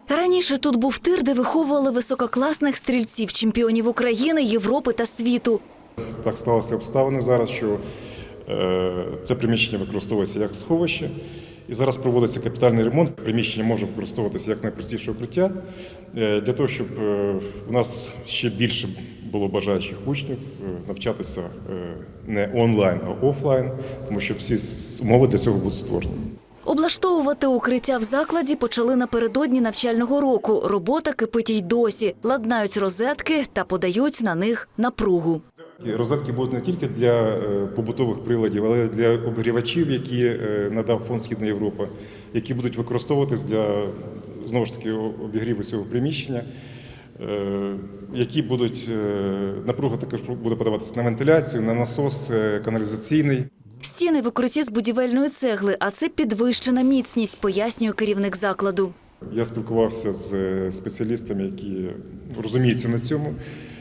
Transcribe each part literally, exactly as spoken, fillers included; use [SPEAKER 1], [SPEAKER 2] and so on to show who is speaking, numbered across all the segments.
[SPEAKER 1] Раніше тут був тир, де виховували висококласних стрільців, чемпіонів України, Європи та світу.
[SPEAKER 2] Так склалися обставини зараз, що е, це приміщення використовується як сховище. І зараз проводиться капітальний ремонт. Приміщення може використовуватися як найпростіше укриття, е, для того, щоб е, у нас ще більше було бажаючих учнів е, навчатися е, не онлайн, а офлайн, тому що всі умови для цього будуть створені.
[SPEAKER 1] Облаштовувати укриття в закладі почали напередодні навчального року. Робота кипить й досі. Ладнають розетки та подають на них напругу.
[SPEAKER 2] Розетки будуть не тільки для побутових приладів, але й для обігрівачів, які надав Фонд «Східна Європа», які будуть використовуватись для, знову ж таки, обігріву цього приміщення, які будуть, напруга також буде подаватися на вентиляцію, на насос каналізаційний.
[SPEAKER 1] Стіни в укритті з будівельної цегли, а це підвищена міцність, пояснює керівник закладу.
[SPEAKER 2] Я спілкувався з спеціалістами, які розуміються на цьому.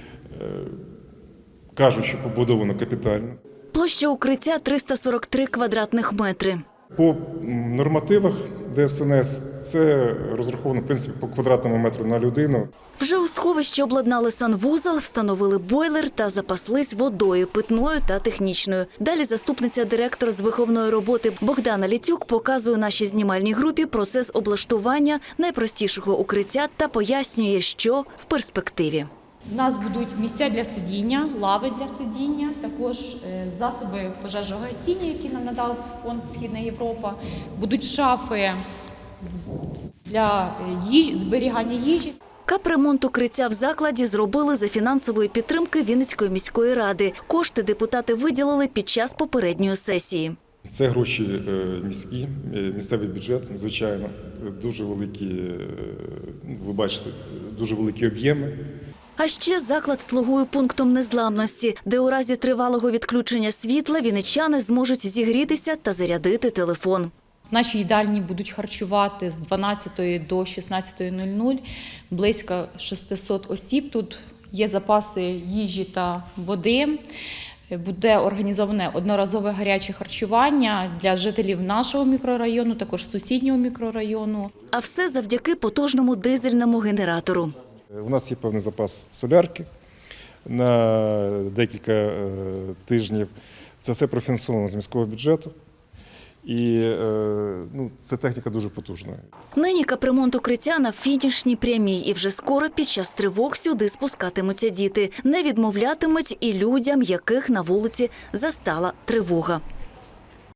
[SPEAKER 2] Кажуть, що побудовано капітально.
[SPEAKER 1] Площа укриття – триста сорок три квадратних метри.
[SPEAKER 2] По нормативах Д С Н С це розраховано, в принципі, по квадратному метру на людину.
[SPEAKER 1] Вже у сховищі обладнали санвузол, встановили бойлер та запаслись водою питною та технічною. Далі заступниця директора з виховної роботи Богдана Ліцюк показує нашій знімальній групі процес облаштування найпростішого укриття та пояснює, що в перспективі.
[SPEAKER 3] У нас будуть місця для сидіння, лави для сидіння, також засоби пожежогасіння, які нам надав Фонд «Східна Європа. Будуть шафи для їжі, зберігання їжі.
[SPEAKER 1] Капремонт укриття в закладі зробили за фінансової підтримки Вінницької міської ради. Кошти депутати виділили під час попередньої сесії.
[SPEAKER 2] Це гроші міські, місцевий бюджет, звичайно, дуже великі, ви бачите, дуже великі об'єми.
[SPEAKER 1] А ще заклад слугує пунктом незламності, де у разі тривалого відключення світла вінничани зможуть зігрітися та зарядити телефон.
[SPEAKER 3] В нашій їдальні будуть харчувати з дванадцятої до шістнадцятої нуль нуль близько шістсот осіб. Тут є запаси їжі та води. Буде організоване одноразове гаряче харчування для жителів нашого мікрорайону, також сусіднього мікрорайону.
[SPEAKER 1] А все завдяки потужному дизельному генератору.
[SPEAKER 2] У нас є певний запас солярки на декілька тижнів. Це все профінансовано з міського бюджету. І ну, це техніка дуже потужна.
[SPEAKER 1] Нині капремонт укриття на фінішній прямій. І вже скоро під час тривог сюди спускатимуться діти. Не відмовлятимуть і людям, яких на вулиці застала тривога.